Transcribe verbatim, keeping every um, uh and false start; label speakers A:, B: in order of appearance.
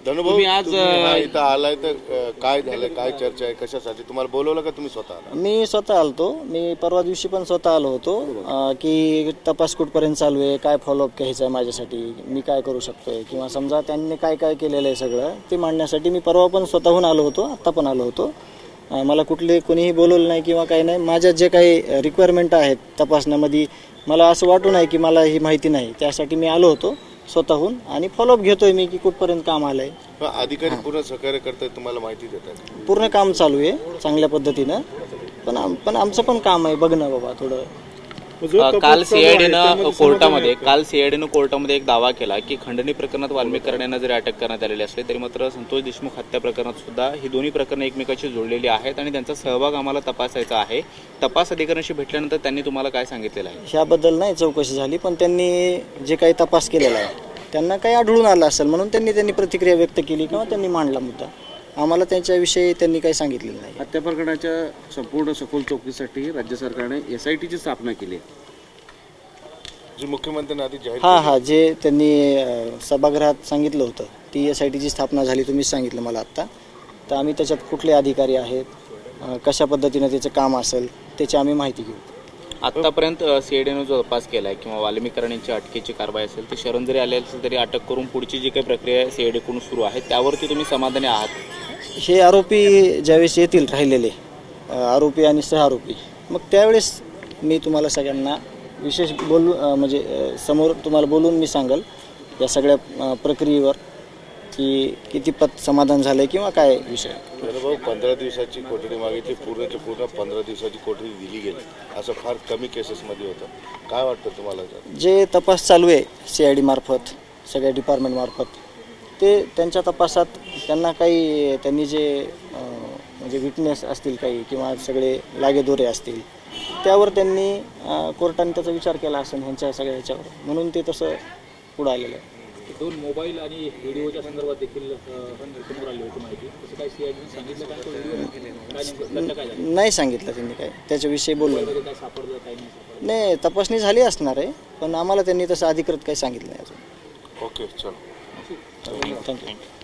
A: धनुभाऊ,
B: तुम्ही आज
A: तुम्ही हा इथं आलाय तर अ, काय झालं, काय चर्चा आहे, कशासाठी तुम्हाला बोलवलं का तुम्ही स्वतः आला?
C: मी स्वतः आलतो. मी परवा दिवशी पण स्वतः आलो होतो अं, की तपास कुठपर्यंत चालू आहे, काय फॉलोअप घ्यायचं आहे माझ्यासाठी, मी काय करू शकतोय किंवा समजा त्यांनी काय काय केलेलं आहे सगळं ते मांडण्यासाठी मी परवा पण स्वतःहून आलो होतो, आत्ता पण आलो होतो. अं, मला कुठले कोणीही बोलवलं नाही किंवा काही नाही. माझ्या जे काही रिक्वायरमेंट आहेत तपासण्यामध्ये मला असं वाटू नाही की मला ही माहिती नाही, त्यासाठी मी आलो होतो स्वतःहून आणि फॉलोअप घेतोय मी की कुठपर्यंत काम आलंय.
A: पण अधिकारी पूर्ण सहकार्य करतात, तुम्हाला माहिती देतात?
C: पूर्ण काम चालू आहे चांगल्या पद्धतीनं. पण आम पण आमचं पण काम आहे बघणं बाबा थोडं.
B: काल सीआयडीनं कोर्टामध्ये काल सीआयडीनं कोर्टामध्ये एक दावा केला की खंडणी प्रकरणात वाल्मिक यांना जरी अटक करण्यात आलेली असली तरी मात्र संतोष देशमुख हत्या प्रकरणात सुद्धा ही दोन्ही प्रकरणं एकमेकाशी जोडलेली आहेत आणि त्यांचा सहभाग आम्हाला तपासायचा आहे. तपास अधिकाऱ्यांशी भेटल्यानंतर त्यांनी तुम्हाला काय सांगितलेलं आहे?
C: ह्याबद्दल नाही चौकशी झाली, पण त्यांनी जे काही तपास केलेला आहे त्यांना काही आढळून आलं असेल म्हणून त्यांनी त्यांनी प्रतिक्रिया व्यक्त केली किंवा त्यांनी मांडला मुद्दा. आम्हाला त्यांच्याविषयी त्यांनी काही सांगितलेलं नाही.
D: हत्या प्रकरणाच्या संपूर्ण सखोल चौकशीसाठी राज्य सरकारने एस आय टीची स्थापना केली आहे.
A: जी मुख्यमंत्र्यांनी आधी जाहीर
C: हां हां जे त्यांनी अं, सभागृहात सांगितलं होतं ती एस आय टीची स्थापना झाली, तुम्हीच सांगितलं मला आत्ता. तर आम्ही त्याच्यात कुठले अधिकारी आहेत, अं, कशा पद्धतीनं त्याचं काम असेल त्याची आम्ही माहिती घेऊ.
B: आतापर्यंत सीआयडीनं जो तपास केलाय किंवा वाल्मिक यांची अटकेची कारवाई असेल ती शरण जरी आले असेल तरी अटक करून पुढची जी काही प्रक्रिया सीआयडीकडून सुरू आहे त्यावरती तुम्ही समाधानी आहात?
C: हे आरोपी ज्यावेळेस येतील राहिलेले अं, आरोपी आणि सहआरोपी, मग त्यावेळेस मी तुम्हाला सगळ्यांना विशेष बोलू अं, म्हणजे अं, समोर तुम्हाला बोलून मी सांगेल या सगळ्या अं, प्रक्रियेवर की कितीपत समाधान झालंय किंवा काय विषय.
A: धनुभाऊ, पंधरा दिवसाची कोठडी मागितली, पूर्णच्या पूर्ण पंधरा दिवसाची कोठडी दिली गेली, असं फार कमी केसेसमध्ये होतं. काय वाटतं तुम्हाला?
C: जे तपास चालू आहे सी आय डी मार्फत सगळ्या डिपार्टमेंट मार्फत ते त्यांच्या तपासात त्यांना काही त्यांनी जे अं, म्हणजे विटनेस असतील काही किंवा सगळे लागेदोरे असतील त्यावर त्यांनी अं, कोर्टाने त्याचा विचार केला असेल ह्यांच्या सगळ्या ह्याच्यावर, म्हणून ते तसं पुढं आलेलं आहे.
E: दोन मोबाईल आणि व्हिडिओच्या संदर्भात देखील समोर आली होती माहिती. तसं काय सीआयडीने सांगितलं का? तो व्हिडिओ काय नेमकं घटना काय झाली?
C: नाही सांगितलं त्यांनी काय त्याच्याविषयी बोललं नाही.
E: काय सापडलं काय नाही सापडलं?
C: नाही तपासणी झाली असणार आहे पण आम्हाला त्यांनी तसं अधिकृत काही सांगितलं नाही अजून.
A: ओके, चलो.
C: थँक्यू.